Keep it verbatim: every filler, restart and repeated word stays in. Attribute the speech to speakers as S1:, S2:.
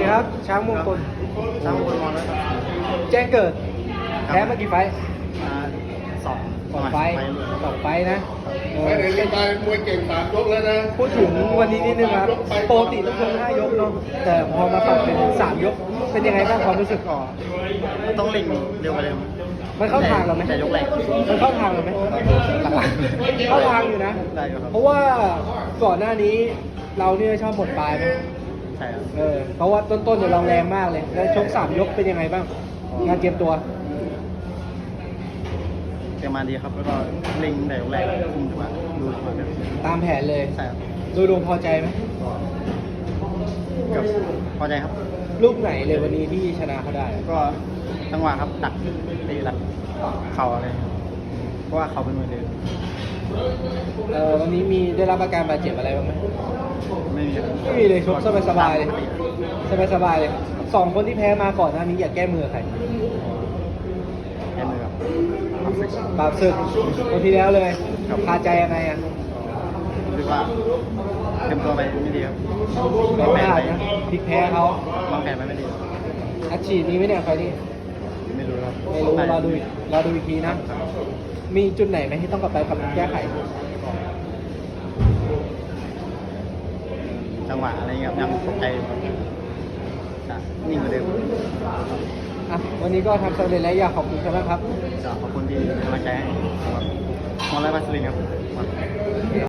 S1: ครับช้างมงคล
S2: ช้างมงคลมองแล้วครับ
S1: แจ้งเกิดแพ้มากี่ไฟท์
S2: อ่าสอง
S1: สองไฟท์สองไฟท์นะเอ
S3: ไม่
S1: อ
S3: ได้เล่นตายมวยเก่งสามยกแล้วนะ
S1: พูดถึงวันนี้นิดนึงครับปกติต้องชกห้ายกเนาะแต่พอมาปรับเป็นสามยกเป็นยังไงบ้างความรู้สึก
S2: ก็ต้องเร่งเร็วกว่าเดิม
S1: มันเข้าทางเราไหม
S2: แต่ยกแรก
S1: มันเข้าทางเราไหม
S2: หลัง
S1: เข้าทางอยู่นะ
S2: ได้อยู่ครับ
S1: เพราะว่าก่อนหน้านี้เราเนี่ยชอบหมดปลายไหม
S2: ใช่ครับ
S1: เออเพราะว่าต้นๆเนี่ยเราแรงมากเลย แล้วชกสามยกเป็นยังไงบ้าง งานเตรียมตัว
S2: เตรียมมาดีครับ แล้วก็เร่งแต่ยกแรกคุมจังหวะดูจังหวะแบบ
S1: ตามแผนเลย
S2: ใช่ครับ
S1: โดยรวมพอใจไหม
S2: เกือบพอใจครับ
S1: ลูกไหนเลยวันนี้ที่ชนะเขาได้
S2: ก็จังหวะครับดักตีดักเข่าอะไรครับเพราะว่าเขาเป็นมวยเดิน
S1: เออวันนี้มีได้รับอาการบาดเจ็บอะไรบ้างไหม
S2: ไม่มีครับ
S1: ไม่มีเลยชกสบายๆเลย สบายๆเลยสองคนที่แพ้มาก่อนหน้านี้อยากแก้มือใคร
S2: แค่มือครับ
S1: บาปศึกคนที่แล้วเลยคาใจยังไงอ่ะ
S2: รู้สึกว่าเตรียมตัวไปไม่ดีครับ
S1: แพ้พลาดนะพลิกแพ้เขา
S2: วางแผนไปไม่ดี
S1: อัดฉีดนี้ไหมเนี่ยไฟล์นี้
S2: ไม่รู้ครับ
S1: ไม่รู้รอดูอีกรอดูอีกทีนะ มีจุดไหนไหมที่ต้องกลับไปปรับปรุงแก้ไข
S2: จังหวะอะไรเงี้ยครับยังตกใจอยู่ครับจะนิ่งกว่าเดิม
S1: อ่ะวันนี้ก็ทำสำเร็จแล้วอยากขอบคุณครับครับ
S2: จะขอบคุณที่เป็นกำลังใจให้สำหรับมอลไลฟ์บัสลินครับ